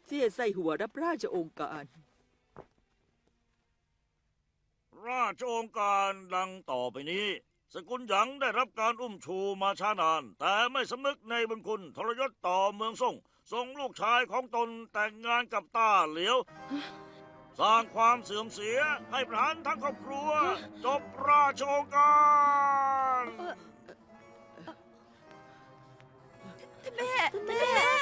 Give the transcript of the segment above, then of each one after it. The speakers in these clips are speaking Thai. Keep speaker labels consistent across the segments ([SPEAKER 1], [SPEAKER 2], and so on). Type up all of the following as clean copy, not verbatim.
[SPEAKER 1] เสียใส่หัวรับราชองค์การ
[SPEAKER 2] ราชองค์การดังต่อไปนี้ สกุลหยางได้รับการอุ้มชูมาช้านาน แต่ไม่สำนึกในบุญคุณทรยศต่อเมืองซ่งส่งลูกชายของตนแต่งงานกับต้าเหลียว สร้างความเสื่อมเสียให้ประหารทั้งครอบครัว จบราชองค์การ
[SPEAKER 3] ท่านแม่ท่านแม่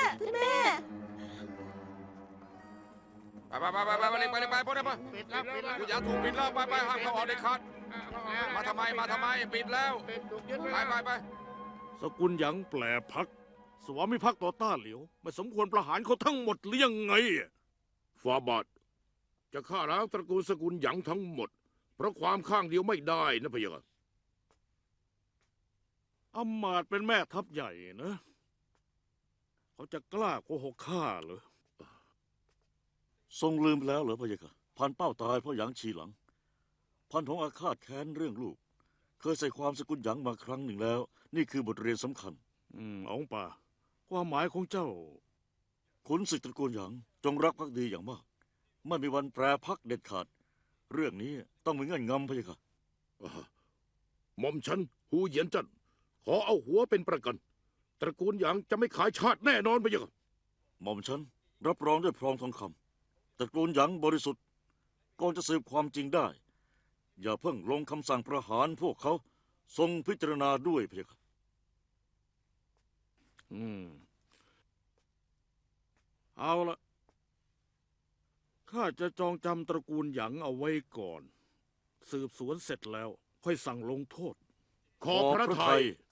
[SPEAKER 4] ไปเลยไปพวกนี้ไปกูอยากถูกปิดแล้วไปห้ามเขาออกเด็ดขาดมาทำไมปิดแล้วไป
[SPEAKER 5] สกุลหยางแปลพัก สวามิภักดิ์ต่อต้านเหลียว ไม่สมควรประหารเขาทั้งหมดหรือยังไงฟาบาทจะฆ่าล้างตระกูลสกุลหยางทั้งหมด เพราะความข้างเดียวไม่ได้นะพะยะอำมาตย์เป็นแม่ทัพใหญ่นะ เขาจะกล้าโกหกข้าเหรอ
[SPEAKER 2] ทรงลืมแล้วเหรอพะยะค่ะพันเป้าตายเพราะหยางชีหลัง พันทองอาฆาตแค้นเรื่องลูก เคยใส่ความสกุลหยางมาครั้งหนึ่งแล้ว นี่คือบทเรียนสำคัญ
[SPEAKER 5] องค์ป่าความหมายของเจ้า
[SPEAKER 2] ขุนศึกตระกูลหยางจงรักภักดีอย่างมาก ไม่มีวันแปรพักเด็ดขาด เรื่องนี้ต้องมีเงื่อนงำพะยะค่ะ
[SPEAKER 5] หม่อมฉันหูเหยียนจันขอเอาหัวเป็นประกัน ตระกูลหยางจะไม่ขายชาติแน่นอนพะยะ
[SPEAKER 2] หม่อมฉันรับรองด้วยพรองทองคำตระกูลหยางบริสุทธิ์ก่อนจะสืบความจริงได้ อย่าเพิ่งลงคำสั่งประหารพวกเขาทรงพิจารณาด้วยพะยะค่ะ
[SPEAKER 5] เอาละข้าจะจองจำตระกูลหยางเอาไว้ก่อน สืบสวนเสร็จแล้ว ค่อยสั่งลงโทษ ขอบพระทัย